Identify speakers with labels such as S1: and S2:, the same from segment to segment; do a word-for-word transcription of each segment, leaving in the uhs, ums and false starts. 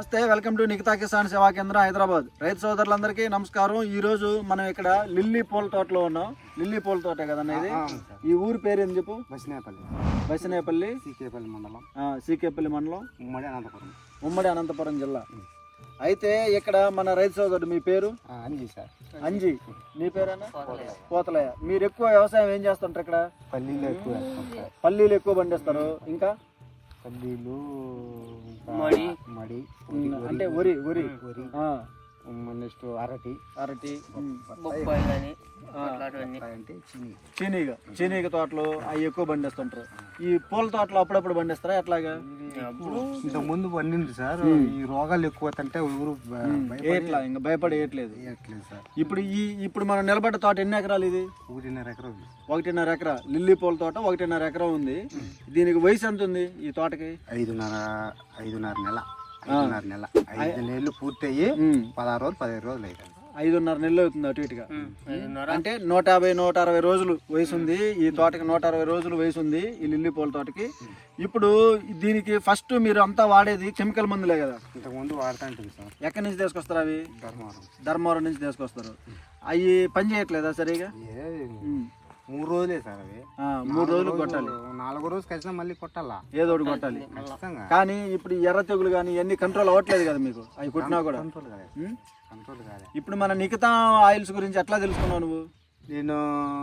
S1: నమస్తే, welcome to Nikhita Kisan సేవా కేంద్ర హైదరాబాద్. రైతు సోదరులందరికీ నమస్కారం. ఈ రోజు మనం ఇక్కడ లిల్లీ పూల తోటలో ఉన్నాం. లిల్లీ పూల తోటే కదన్న ఇది. ఈ ఊరు పేరు ఏం చెప్పు?
S2: బసినేపల్లి.
S1: బసినేపల్లి,
S2: సీకేపల్లి మండలం,
S1: సీకేపల్లి మండలం,
S2: ఉమ్మడి అనంతపురం,
S1: ఉమ్మడి అనంతపురం జిల్లా. అయితే ఇక్కడ మన రైతు సోదరుడు, మీ పేరు?
S2: అంజీ సార్.
S1: అంజీ. నీ పేరేనా? పోతలయ్య. మీరు ఎక్కువ వ్యవసాయం ఏం చేస్తుంటారు ఇక్కడ?
S2: పల్లీలు ఎక్కువ,
S1: పల్లీలు ఎక్కువ పండిస్తారు. ఇంకా
S2: పల్లీలు,
S3: మడి
S2: మడి
S1: అంటే వరి వరి
S2: వరి నెక్స్ట్ అరటి
S1: అరటి
S3: బొప్పాయి కానీ
S2: అంటే చిన్ని
S1: చీనీగ చీనీగ తోటలు అవి ఎక్కువ పండిస్తుంటారు. ఈ పూల తోటలు అప్పుడప్పుడు పండిస్తారా ఎట్లాగా?
S2: ఇంత ముందు పండింది సార్. ఈ రోగాలు ఎక్కువ అంటే ఊరు
S1: ఎట్లా ఇంకా భయపడి వేయట్లేదు
S2: సార్.
S1: ఇప్పుడు ఈ ఇప్పుడు మనం నిలబడ్డ తోట ఎన్ని ఎకరాలు ఇది?
S2: ఒకటిన్నర ఎకరం ఉంది.
S1: ఒకటిన్నర ఎకరా లిల్లీ పూల తోట ఒకటిన్నర ఎకరం ఉంది. దీనికి వయసు ఎంత ఉంది ఈ తోటకి?
S2: ఐదున్నర ఐదున్నర నెల ఐదున్నర నెల ఐదు నెలలు పూర్తయ్యి పదహారు రోజులు పదిహేను రోజులు అవుతుంది.
S1: ఐదున్నర నెలలు అవుతుంది అటు ఇటుగా. అంటే నూట యాభై నూట అరవై రోజులు వయసు ఉంది ఈ తోటకి. నూట అరవై రోజులు వయసు ఉంది ఈ లిల్లీ పూల తోటకి. ఇప్పుడు దీనికి ఫస్ట్ మీరు అంతా వాడేది కెమికల్ మందులే కదా?
S2: ఇంతకుముందు వాడుతూ ఉంటుంది సార్.
S1: ఎక్కడి నుంచి తీసుకొస్తారు అవి?
S2: ధర్మవరం.
S1: ధర్మవరం నుంచి తీసుకొస్తారు. అవి పని చేయట్లేదా సరిగా?
S2: మూడు రోజులే సార్ అవి.
S1: మూడు రోజులు కొట్టాలి.
S2: నాలుగో రోజు కలిసినా మళ్ళీ కొట్టాలా,
S1: ఏదో ఒకటి కొట్టాలి. కానీ ఇప్పుడు ఎర్ర తెగులు కానీ ఇవన్నీ కంట్రోల్ అవ్వట్లేదు కదా మీకు? అవి కొట్టినా కూడా
S2: కంట్రోల్ కాదు. కంట్రోల్ కాదు.
S1: ఇప్పుడు మన నిఖితా ఆయిల్స్ గురించి ఎట్లా తెలుసుకున్నావు నువ్వు?
S2: నేను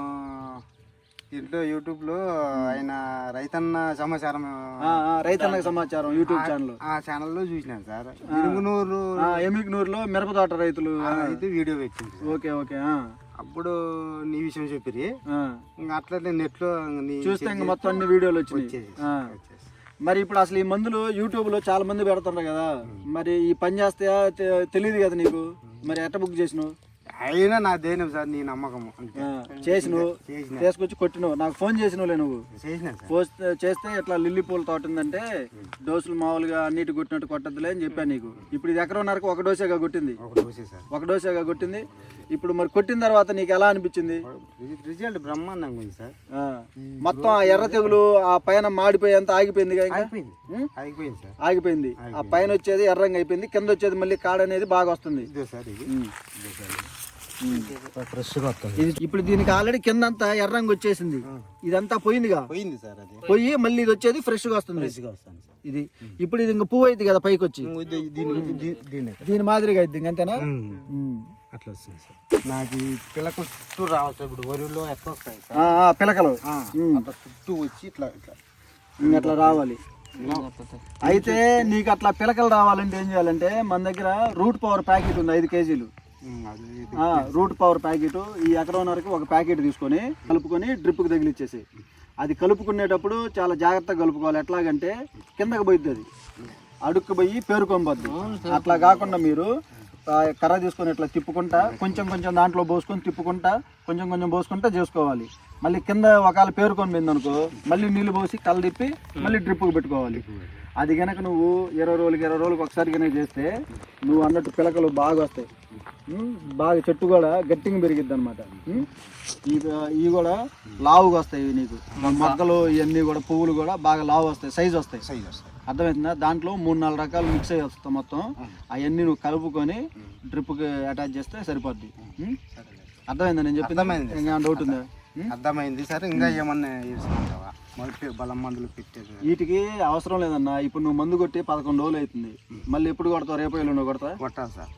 S2: ఇంట్లో యూట్యూబ్లో ఆయన రైతన్న సమాచారం,
S1: రైతన్న సమాచారం యూట్యూబ్ ఛానల్,
S2: ఆ ఛానల్లో చూసినాను సార్. ఎనుగునూరు
S1: ఎమిగ్నూరులో మిరప తోట రైతులు
S2: అయితే వీడియో పెట్టింది.
S1: Okay okay.
S2: అప్పుడు నీ విషయం చెప్పిరి. ఇంకా అట్లనే నెట్లో
S1: చూస్తే ఇంకా మొత్తం అన్ని వీడియోలు వచ్చినాయి. మరి ఇప్పుడు అసలు ఈ మందులు యూట్యూబ్ లో చాలా మంది పెడుతుంటారు కదా, మరి ఈ పని చేస్తే తెలియదు కదా నీకు, మరి ఎట్ట బుక్ చేసినావు?
S2: అయినా నా దేని సార్ నీ నమ్మకం
S1: చేసినావు, తీసుకొచ్చి కొట్టినావు. నాకు ఫోన్ చేసినవులే నువ్వు. పోస్ట్ చేస్తే ఇట్లా లిల్లీ పూల తోట ఉందంటే డోసులు మామూలుగా అన్నిటి కొట్టినట్టు కొట్టద్దులే అని చెప్పాను నీకు. ఇప్పుడు ఇది ఎకరన్నరకు ఒక డోసేగా కొట్టింది, ఒక డోసేగా కొట్టింది. ఇప్పుడు మరి కొట్టిన తర్వాత నీకు ఎలా అనిపించింది?
S2: రిజల్ట్ బ్రహ్మాండంగా ఉంది సార్.
S1: మొత్తం ఆ ఎర్ర తెగులు ఆ పైన మాడిపోయి అంతా ఆగిపోయింది కదా?
S2: ఆగిపోయింది సార్,
S1: ఆగిపోయింది. ఆ పైన వచ్చేది ఎర్రంగా అయిపోయింది, కింద వచ్చేది మళ్ళీ కాడ అనేది బాగా వస్తుంది. ఇప్పుడు దీనికి ఆల్రెడీ కింద అంతా ఎర్రంగా వచ్చేసింది, ఇదంతా పోయిందిగా.
S2: పోయింది సార్. అది
S1: పోయి మళ్ళీ ఇది వచ్చేది ఫ్రెష్ గా వస్తుంది. ఇది ఇప్పుడు ఇది ఇంకా పువ్వు అయింది కదా పైకి వచ్చి, దీని మాదిరిగా అయింది అంతేనా?
S2: అట్లా వస్తుంది సార్. నాకు పిలక చుట్టూ రావచ్చు. ఇప్పుడు వరిలో ఎట్లా వస్తాయి
S1: పిలకలు
S2: అట్లా చుట్టూ వచ్చి ఇట్లా ఇట్లా
S1: అట్లా రావాలి. అయితే నీకు అట్లా పిలకలు రావాలంటే ఏం చేయాలంటే మన దగ్గర రూట్ పవర్ ప్యాకెట్ ఉంది, ఐదు కేజీలు రూట్ పవర్ ప్యాకెట్. ఈ ఎకరన్నరకి ఒక ప్యాకెట్ తీసుకొని కలుపుకొని డ్రిప్కి తగిలిచ్చేసి, అది కలుపుకునేటప్పుడు చాలా జాగ్రత్తగా కలుపుకోవాలి. ఎట్లాగంటే కిందకి పోయిద్ది, అది అడుక్కు పోయి పేరుకొనిపోద్ది. అట్లా కాకుండా మీరు కర్ర తీసుకొని ఇట్లా తిప్పుకుంటా కొంచెం కొంచెం దాంట్లో పోసుకొని తిప్పుకుంటా కొంచెం కొంచెం పోసుకుంటా చేసుకోవాలి. మళ్ళీ కింద ఒకవేళ పేరుకొని పోయింది అనుకో, మళ్ళీ నీళ్ళు పోసి కళ్ళు తిప్పి మళ్ళీ డ్రిప్కి పెట్టుకోవాలి. అది కనుక నువ్వు ఇరవై రోజులకి ఇరవై రోజులకి ఒకసారి కనుక చేస్తే నువ్వు అన్నట్టు పిలకలు బాగా వస్తాయి. బాగా చెట్టు కూడా గట్టిగా పెరిగిద్ది అనమాట. ఇవి కూడా లావుగా వస్తాయి నీకు. మొగ్గలు ఇవన్నీ కూడా పువ్వులు కూడా బాగా లావు వస్తాయి, సైజు వస్తాయి. సైజు వస్తాయి అర్థమవుతుందా? దాంట్లో మూడు నాలుగు రకాలు మిక్స్ అయ్యి వస్తాయి మొత్తం. అవన్నీ నువ్వు కలుపుకొని డ్రిప్కి అటాచ్ చేస్తే సరిపోద్ది. అర్థమైందా నేను చెప్పింది? ఇంకా డౌట్ ఉందా?
S2: అర్థమైంది సార్. ఇంకా ఏమన్నా బలం మందులు పెట్టేది
S1: వీటికి అవసరం లేదన్నా. ఇప్పుడు నువ్వు మందు కొట్టి పదకొండు రోజులు అవుతుంది. మళ్ళీ ఎప్పుడు కొడతావు? రేపు ఎల్లుండి కొడతా?
S2: కొట్టాలి సార్.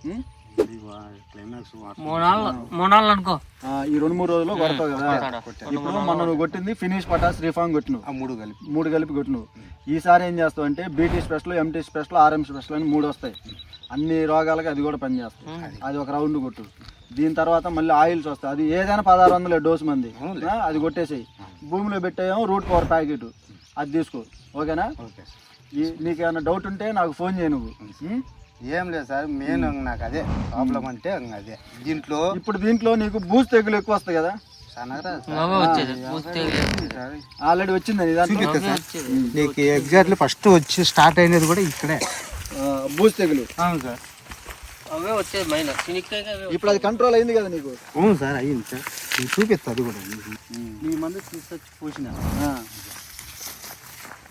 S1: ఈ రెండు మూడు రోజుల్లో కొడతావు కదా. ఇప్పుడు మొన్న నువ్వు కొట్టింది ఫినిష్ పటాస్ రిఫామ్ కొట్టినావు, మూడు కలిపి మూడు కలిపి కొట్టినావు. ఈసారి ఏం చేస్తావు అంటే BT special, MT special, RM special అని మూడు వస్తాయి. అన్ని రోగాలకి అది కూడా పనిచేస్తాయి. అది ఒక రౌండ్ కొట్టు. దీని తర్వాత మళ్ళీ ఆయిల్స్ వస్తాయి. అది ఏదైనా పదహారు వందలే డోసు మంది, అది కొట్టేసేయి. భూమిలో పెట్టేమో రూట్ పవర్ ప్యాకెట్, అది తీసుకో. ఓకేనా? నీకు ఏమైనా డౌట్ ఉంటే నాకు ఫోన్ చేయి నువ్వు.
S2: ఏం లేదు సార్, మెయిన్ నాకు అదే ప్రాబ్లం అంటే అదే. దీంట్లో
S1: ఇప్పుడు దీంట్లో నీకు బూజు తెగులు ఎక్కువ వస్తాయి కదా? ఆల్రెడీ వచ్చింది
S2: నీకు. ఎగ్జాక్ట్లీ ఫస్ట్ వచ్చి స్టార్ట్ అయినది కూడా ఇక్కడే
S1: బూజు తెగులు.
S2: అవును సార్,
S3: అవే వచ్చేది మైనా.
S1: ఇప్పుడు అది కంట్రోల్ అయింది కదా నీకు?
S2: అవును సార్, అయ్యింది సార్. చూపిస్తా అది కూడా.
S1: నీ మంది తీసుకొచ్చి పూసిన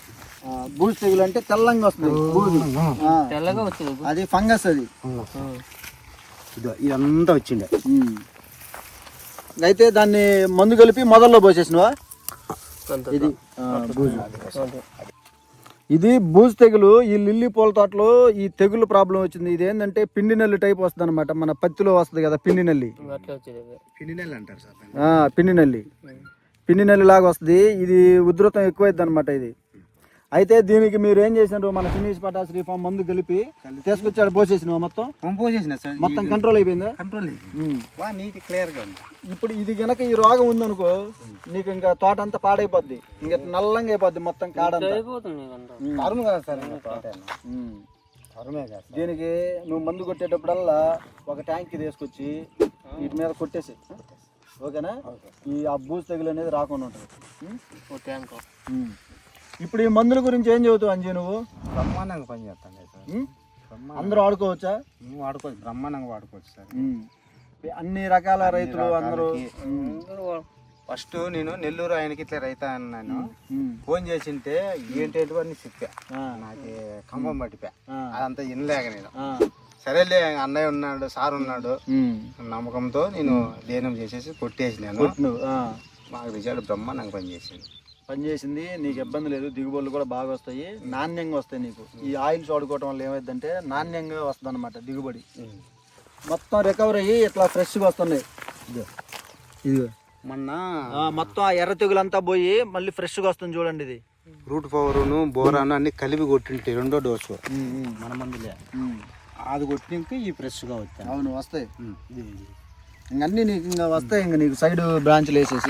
S1: బూజు తెగులు అంటే తెల్లంగా వస్తుంది బూజు. ఆ,
S3: తెల్లగా వచ్చేది
S1: అది ఫంగస్ అది.
S2: ఇదో ఇదంతా వచ్చిండే.
S1: ఉమ్. అయితే దాన్ని మందు కలిపి మొదల్లో పోసేసినవా?
S3: అంత
S1: ఇది ఆ, బూజు. ఇది బూజు తెగులు. ఈ లిల్లీ పూల తోటలో ఈ తెగులు ప్రాబ్లం వచ్చింది. ఇది ఏంటంటే పిండి నల్లి టైప్ వస్తుంది అనమాట. మన పత్తిలో వస్తుంది కదా పిండి నల్లి.
S3: అట్లా వచ్చేది అదే.
S2: ఫినినెల్ అంటారు సార్.
S1: ఆ, పిండి నల్లి పిండి నల్లి లాగా వస్తుంది. ఇది ఉధృతం ఎక్కువైద్ది అనమాట ఇది. అయితే దీనికి మీరు ఏం చేసినారు? మన ఫినిష్ పటాస్ రీఫామ్ మందు కలిపి తీసుకొచ్చాడు పోసేసినావు మొత్తం.
S2: పోసేసిన సార్,
S1: మొత్తం కంట్రోల్ అయిపోయిందా?
S2: Control
S1: um.
S2: బాగా నీట్ క్లియర్ గా ఉంది.
S1: ఇప్పుడు ఇది గనక ఈ రోగం ఉందనుకో నీకు ఇంకా తోట అంతా పాడైపోద్ది. ఇంకా నల్లంగా అయిపోద్ది మొత్తం కాడంతా.
S3: అయిపోతుంది నీకు అంతా.
S2: తరుము కదా సార్ ఇంకా తోట.
S1: ఉమ్.
S2: తరుమే కదా సార్.
S1: దీనికి నువ్వు మందు కొట్టేటప్పుడల్లా ఒక ట్యాంక్ తీసుకొచ్చి వీటి మీద కొట్టేసి, ఓకేనా? ఈ ఆ బూజు తెగులు అనేది రాకుండా ఉంటుంది. ఉమ్.
S3: ఓ ట్యాంక్.
S1: ఉమ్. ఇప్పుడు ఈ మందుల గురించి ఏం చెబుతావు అంజీ నువ్వు?
S2: బ్రహ్మాండంగా పని చేస్తాను సార్.
S1: ఉమ్. అందరూ ఆడుకోవచ్చా?
S2: నువ్వు వాడుకోవచ్చు, బ్రహ్మాండంగా వాడుకోవచ్చు సార్.
S1: ఉమ్. అన్ని రకాల రైతులు అందరూ.
S2: ఫస్ట్ నేను నెల్లూరు ఆయనకి ఇట్లా రైతా అన్నాను.
S1: ఉమ్.
S2: ఫోన్ చేసింటే ఏంటేంటి అని చెప్పా.
S1: ఆ.
S2: నాకు ఖమ్మం పట్టిపా.
S1: ఆ.
S2: అదంతా వినలేక నేను
S1: ఆ.
S2: సరేలే అన్నయ్య ఉన్నాడు, సార్ ఉన్నాడు
S1: ఉమ్.
S2: నమ్మకంతో నేను దేనం చేసేసి కొట్టేసినాను.
S1: నువ్వు ఆ.
S2: మాకు రిజల్ట్ బ్రహ్మాండంగా పనిచేసింది.
S1: పనిచేసింది. నీకు ఇబ్బంది లేదు. దిగుబడులు కూడా బాగా వస్తాయి, నాణ్యంగా వస్తాయి. నీకు ఈ ఆయిల్స్ వాడుకోవటం వల్ల ఏమైందంటే నాణ్యంగా వస్తుంది అనమాట దిగుబడి. మొత్తం రికవర్ అయ్యి ఇట్లా ఫ్రెష్గా వస్తున్నాయి. ఇదిగో ఇదిగో
S2: మొన్న
S1: ఆ, మొత్తం ఆ ఎర్ర తెగులంతా పోయి మళ్ళీ ఫ్రెష్గా వస్తుంది చూడండి. ఇది
S2: రూట్ పవరును బోరాను అన్ని కలిపి కొట్టింటే రెండో డోసు
S1: ఉమ్, ఉమ్,
S2: మన మందులే
S1: ఉమ్.
S2: అది కొట్టినాక ఈ ఫ్రెష్గా వచ్చాను.
S1: అవును వస్తాయి. ఇంక అన్నీ నీకు ఇంకా వస్తాయి. ఇంక నీకు సైడ్ బ్రాంచ్లు వేసేసి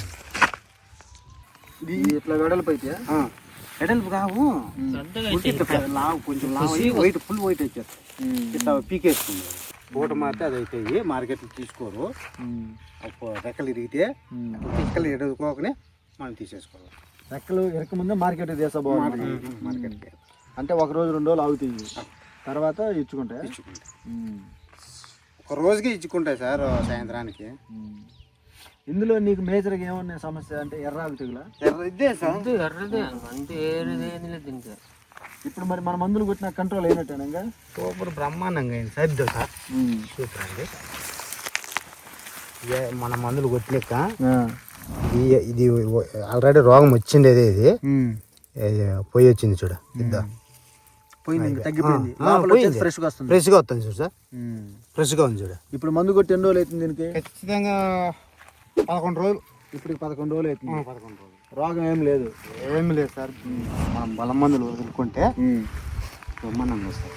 S1: ఇది ఇట్లా వెడల్పు అయితే
S2: ఎడల్పు కావు, లావు కొంచెం లావు అయ్యి వైట్ ఫుల్ వైట్ వచ్చేస్తాయి. ఇట్లా పీకేస్తుంది. పూట మారితే అది అయితే మార్కెట్లో తీసుకోరు. ఒక రెక్కలు ఇరిగితే రెక్కలు ఎడుకోకనే మనం తీసేసుకోవాలి.
S1: రెక్కలు ఎరక ముందే మార్కెట్ తీసుకోవాలి.
S2: మార్కెట్కి
S1: అంటే ఒక రోజు రెండు రోజులు ఆగుతాయి, తర్వాత ఇచ్చుకుంటాయి.
S2: ఇచ్చుకుంటాయి. ఒక రోజుకి ఇచ్చుకుంటాయి సార్ సాయంత్రానికి.
S1: ఇందులో నీకు మేజర్గా ఏమన్నా సమస్య అంటే ఎర్రాకు తెగులా?
S2: ఇదే సార్,
S3: అంతే ఎర్రదే అంతే ఏరేది ఏది లేదు దీనికి.
S1: ఇప్పుడు మరి మన మందులు కొట్టిన కంట్రోల్ అయినట్టేనా? ఇంకా
S2: సూపర్ బ్రహ్మాండంగా అయింది సార్. ఇద్దో సార్ సూపర్ అండి. ఇదే మన మందులు కొట్టినాక ఇది ఇది ఆల్రెడీ రోగం వచ్చిండేది. ఇది ఇది పోయి వచ్చింది చూడ. ఇద్దా
S1: పోయింది, తగ్గిపోయింది, ఫ్రెష్గా వస్తుంది.
S2: ఫ్రెష్గా వస్తుంది చూడు సార్, ఫ్రెష్గా ఉంది చూడ.
S1: ఇప్పుడు మందు కొట్టి ఎన్ని రోజులు అవుతుంది దీనికి?
S2: ఖచ్చితంగా పదకొండు రోజులు.
S1: ఇప్పుడు పదకొండు రోజులు అవుతుంది.
S2: పదకొండు రోజులు
S1: రోగం ఏం లేదు.
S2: ఏమి లేదు సార్. మనం బలం మందులు వదులుకుంటే బ్రహ్మాండంగా వస్తుంది.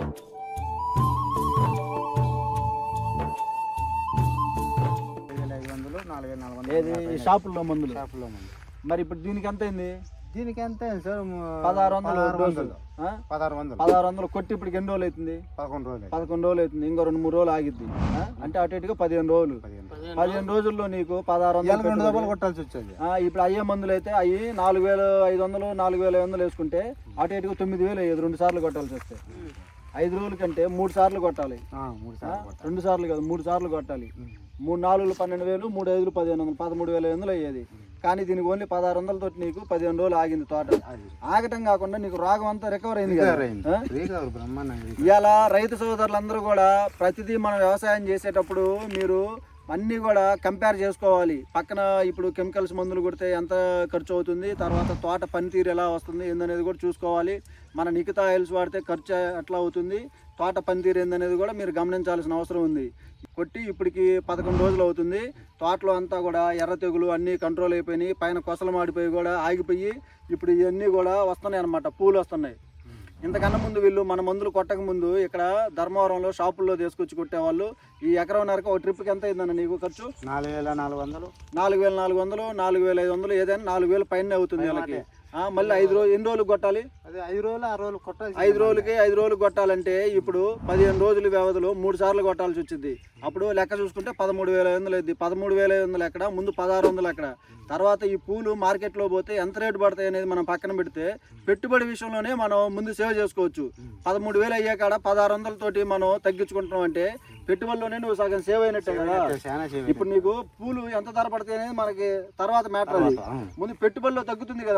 S2: ఐదు వందలు నాలుగు వేల నాలుగు వందలు
S1: ఏది షాపుల్లో మందులు?
S2: షాపుల్లో మందులు.
S1: మరి ఇప్పుడు దీనికి ఎంత అయింది?
S2: దీనికి ఎంత అయింది సార్?
S1: పదహారు వందలు డోసులు. ఆ?
S2: పదహారు వందలు
S1: పదహారు వందలు కొట్టి ఇప్పుడు ఎన్ని రోజులు అవుతుంది?
S2: పదకొండు రోజులు
S1: పదకొండు రోజులు అవుతుంది. ఇంకో రెండు మూడు రోజులు ఆగిద్ది. ఆ? అంటే అటు ఇటుగా పదిహేను రోజులు. పదిహేను రోజుల్లో నీకు పదహారు వందలు
S2: రెండు దెబ్బలు కొట్టాల్సి వచ్చేది.
S1: ఆ, ఇప్పుడు అయ్యే మందులు అయితే అవి నాలుగు వేల ఐదు వందలు నాలుగు వేల ఐదు వందలు వేసుకుంటే అటు ఇటుగా తొమ్మిది వేలు అయ్యేది. రెండు సార్లు కొట్టాల్సి వస్తే ఐదు రోజుల కంటే మూడు సార్లు కొట్టాలి.
S2: మూడు సార్లు
S1: రెండు సార్లు కాదు, మూడు సార్లు కొట్టాలి. మూడు నాలుగు పన్నెండు వేలు, మూడు ఐదులు పదిహేను వందలు, పదమూడు వేల ఐదు వందలు అయ్యేది. కానీ దీనికి ఓన్లీ పదహారు వందలతో నీకు పదిహేను రోజులు ఆగింది తోట. ఆగటం కాకుండా నీకు రోగం అంతా రికవర్ అయింది కదా. ఇవాళ రైతు సోదరులందరూ కూడా ప్రతిదీ మనం వ్యవసాయం చేసేటప్పుడు మీరు అన్నీ కూడా కంపేర్ చేసుకోవాలి. పక్కన ఇప్పుడు కెమికల్స్ మందులు కొడితే ఎంత ఖర్చు అవుతుంది, తర్వాత తోట పనితీరు ఎలా వస్తుంది ఏందనేది కూడా చూసుకోవాలి. మన నిఖితా ఆయిల్స్ వాడితే ఖర్చు ఎట్లా అవుతుంది, తోట పనితీరు ఏందనేది కూడా మీరు గమనించాల్సిన అవసరం ఉంది. కొట్టి ఇప్పటికి పదకొండు రోజులు అవుతుంది. తోటలో అంతా కూడా ఎర్ర తెగులు అన్నీ కంట్రోల్ అయిపోయినాయి. పైన కొసలు మాడిపోయి కూడా ఆగిపోయి ఇప్పుడు ఇవన్నీ కూడా వస్తున్నాయి అన్నమాట, పూలు వస్తున్నాయి. ఇంతకన్నా ముందు వీళ్ళు మన మందులు కొట్టక ముందు ఇక్కడ ధర్మవరంలో షాపుల్లో తీసుకొచ్చి కొట్టేవాళ్ళు. ఈ ఎకరంన్నరకు ఒక ట్రిప్కి ఎంత అయిందన్న నీకు ఖర్చు?
S2: నాలుగు వేల నాలుగు వందలు
S1: నాలుగు వేల నాలుగు వందలు నాలుగు వేల ఐదు వందలు ఏదైనా నాలుగు వేలు పైన అవుతుంది వాళ్ళకి. మళ్ళీ ఐదు రోజులు ఎన్ని రోజులు కొట్టాలి?
S2: అదే ఐదు రోజులు ఆరు రోజులు కొట్టాలి.
S1: ఐదు రోజులకి ఐదు రోజులు కొట్టాలంటే ఇప్పుడు పదిహేను రోజుల వ్యవధిలో మూడు సార్లు కొట్టాల్సి వచ్చింది. అప్పుడు లెక్క చూసుకుంటే పదమూడు వేల ఐదు వందలు అయింది. పదమూడు వేల ఐదు వందలు ఎక్కడ, ముందు పదహారు వందలు ఎక్కడ. తర్వాత ఈ పూలు మార్కెట్లో పోతే ఎంత రేటు పడతాయి అనేది మనం పక్కన పెడితే పెట్టుబడి విషయంలోనే మనం ముందు సేవ్ చేసుకోవచ్చు. పదమూడు వేలు అయ్యే కాడ పదహారు వందలతోటి మనం తగ్గించుకుంటున్నాం అంటే పెట్టుబడిలోనే నువ్వు సగం సేవ్ అయినట్టే కదా. ఇప్పుడు నీకు పూలు ఎంత ధర పడతాయి అనేది మనకి తర్వాత మ్యాటర్. అది ముందు పెట్టుబడిలో తగ్గుతుంది కదా మనకి.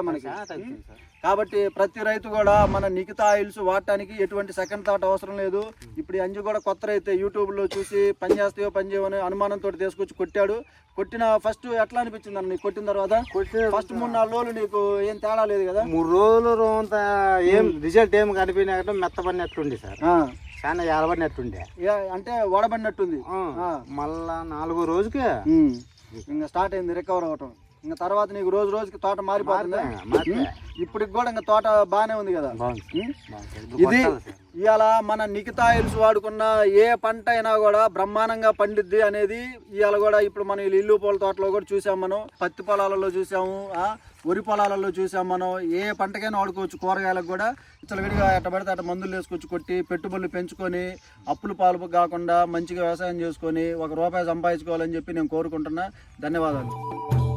S2: స్టార్ట్ అవుతుంది సార్.
S1: కాబట్టి ప్రతి రైతు కూడా మన నిఖితా ఆయిల్స్ వాడటానికి ఎటువంటి సెకండ్ థాట్ అవసరం లేదు. ఇప్పుడు ఈ అంజు కూడా కొత్త రైతే యూట్యూబ్లో చూసి పని చేస్తాయో పని చేయమని అనుమానంతో తీసుకొచ్చి కొట్టాడు. కొట్టిన ఫస్ట్ ఎట్లా అనిపించింది అన్న నీకు కొట్టిన తర్వాత? ఫస్ట్ మూడు నాలుగు రోజులు నీకు ఏం తేడా లేదు కదా?
S2: మూడు రోజులు రోంత ఏం రిజల్ట్ ఏం కనిపించినట్టు మెత్తబడినట్టుండి సార్, చాలా ఎలబడినట్టుండే,
S1: అంటే వడబడినట్టుంది.
S2: మళ్ళా నాలుగో రోజుకి
S1: ఇంకా స్టార్ట్ అయింది రికవర్ అవటం. ఇంకా తర్వాత నీకు రోజు రోజుకి తోట మారిపోతుంది. ఇప్పటికి కూడా ఇంకా తోట బాగానే ఉంది కదా. ఇది ఇవాళ మన నిఖితా ఆయిల్స్ వాడుకున్న ఏ పంట అయినా కూడా బ్రహ్మాండంగా పండిద్ది అనేది ఇవాళ కూడా ఇప్పుడు మనం ఇల్లు పూల తోటలో కూడా చూసాం, మనం పత్తి పొలాలలో చూసాము, వరి పొలాలలో చూసాం. మనం ఏ పంటకైనా వాడుకోవచ్చు. కూరగాయలకు కూడా ఇచ్చలు విడిగా ఎట్ట పడితే అట్ట మందులు వేసుకొచ్చి కొట్టి పెట్టుబడులు పెంచుకొని అప్పులు పాలు కాకుండా మంచిగా వ్యవసాయం చేసుకొని ఒక రూపాయి సంపాదించుకోవాలని చెప్పి నేను కోరుకుంటున్నా. ధన్యవాదాలు.